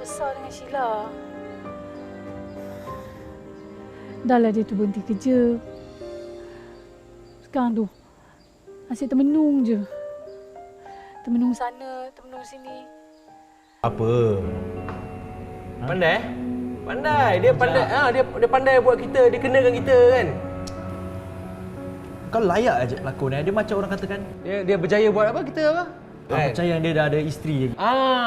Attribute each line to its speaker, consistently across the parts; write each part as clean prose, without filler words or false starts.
Speaker 1: besar dengan Sheila. Dah lah dia tu berhenti kerja. Sekarang tu asyik termenung je. Termenung sana, termenung sini.
Speaker 2: Apa?
Speaker 3: Pandai? Pandai. Dia pandai. Dia pandai buat kita, dia kenakan kita kan.
Speaker 2: Kau layak aja pelakon ni. Dia macam orang katakan.
Speaker 3: Dia berjaya buat apa kita apa?
Speaker 2: Aku percaya dia dah ada isteri lagi.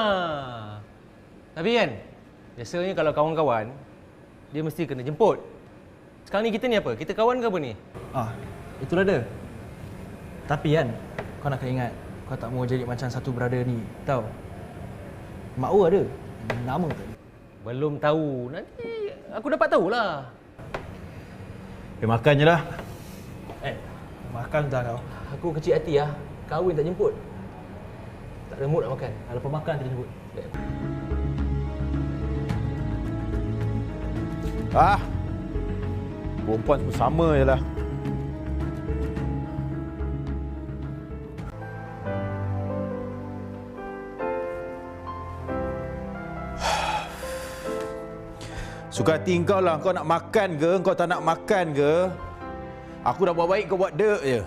Speaker 3: Tapi kan, biasanya kalau kawan-kawan, dia mesti kena jemput. Sekarang ni kita ni apa? Kita kawan ke apa ni?
Speaker 2: Itulah dia. Tapi kan, kau nak kena ingat, kau tak mau jadi macam satu brother ni, tahu? Mak Wu ada nama tu.
Speaker 3: Belum tahu. Nanti aku dapat tahulah.
Speaker 2: Dia makan je lah. Makan dah kau.
Speaker 3: Aku kecil hati lah. Kahwin tak jemput. Tak ada mood nak makan.
Speaker 2: Lepas makan kita jemput.
Speaker 4: Perempuan semua sama je lah. Suka hati kau lah. Kau nak makan ke? Kau tak nak makan ke? Aku dah buat baik, kau buat dek je.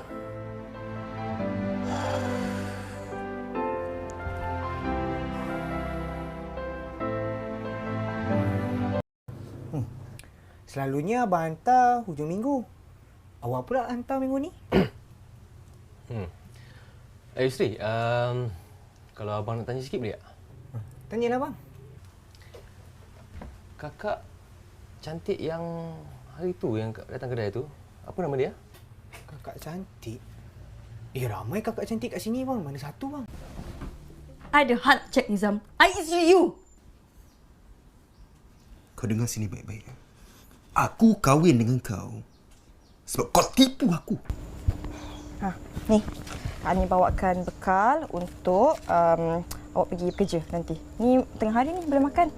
Speaker 5: Selalunya abang hantar hujung minggu. Awak pula hantar minggu ni?
Speaker 3: Yusri, kalau abang nak tanya sikit boleh tak?
Speaker 5: Tanyalah bang.
Speaker 3: Kakak cantik yang hari tu yang datang kedai tu, apa nama dia?
Speaker 5: Kakak cantik? Ramai kakak cantik kat sini bang. Mana satu bang?
Speaker 6: I ada hal nak check Nizam. I isteri you.
Speaker 7: Kau dengar sini baik-baik. Aku kahwin dengan kau sebab kau tipu aku.
Speaker 6: Ni. Kak ni bawakan bekal untuk awak pergi bekerja nanti. Ni tengah hari ni boleh makan.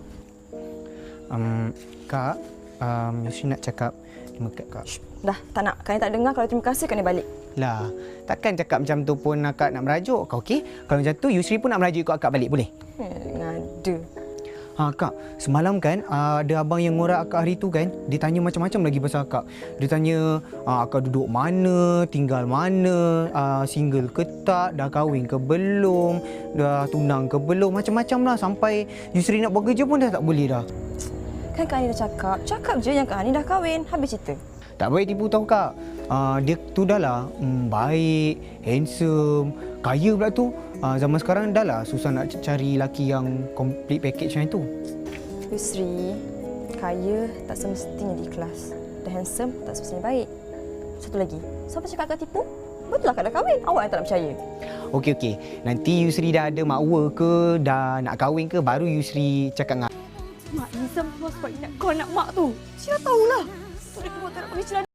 Speaker 5: Kak, Yusri nak cakap terima kasih kak.
Speaker 6: Dah, tak nak. Kak ni tak dengar kalau terima kasih kak ni balik.
Speaker 5: Lah, takkan cakap macam tu pun akak nak merajuk kau, okey? Kalau macam tu Yusri pun nak merajuk ikut akak balik, boleh?
Speaker 6: Ngada.
Speaker 5: Kak, semalam kan ada abang yang ngorak akak hari tu kan. Dia tanya macam-macam lagi pasal akak. Dia tanya akak duduk mana, tinggal mana, single ke tak, dah kahwin ke belum, dah tunang ke belum, macam-macam lah. Sampai Yusri nak buat kerja pun dah tak boleh dah.
Speaker 6: Kan Kak Ani dah cakap je yang Kak Ani dah kahwin. Habis cerita.
Speaker 5: Tak baik tipu tau kak. Dia tu dah lah baik, handsome, kaya pula tu. Zaman sekarang dah lah susah nak cari lelaki yang complete package macam tu.
Speaker 6: Yusri, kaya tak semestinya ikhlas. Dan handsome tak semestinya baik. Satu lagi, siapa cakap Kak tipu? Betul lah Kak dah kahwin. Awak yang tak nak percaya.
Speaker 5: Okey. Nanti Yusri dah ada makwa ke, dah nak kahwin ke, baru Yusri cakap dengan
Speaker 6: Mak Nizam keluar sebab ingat kau anak mak tu. Siapa tahulah. Tu dia keluar tak nak pakai celana.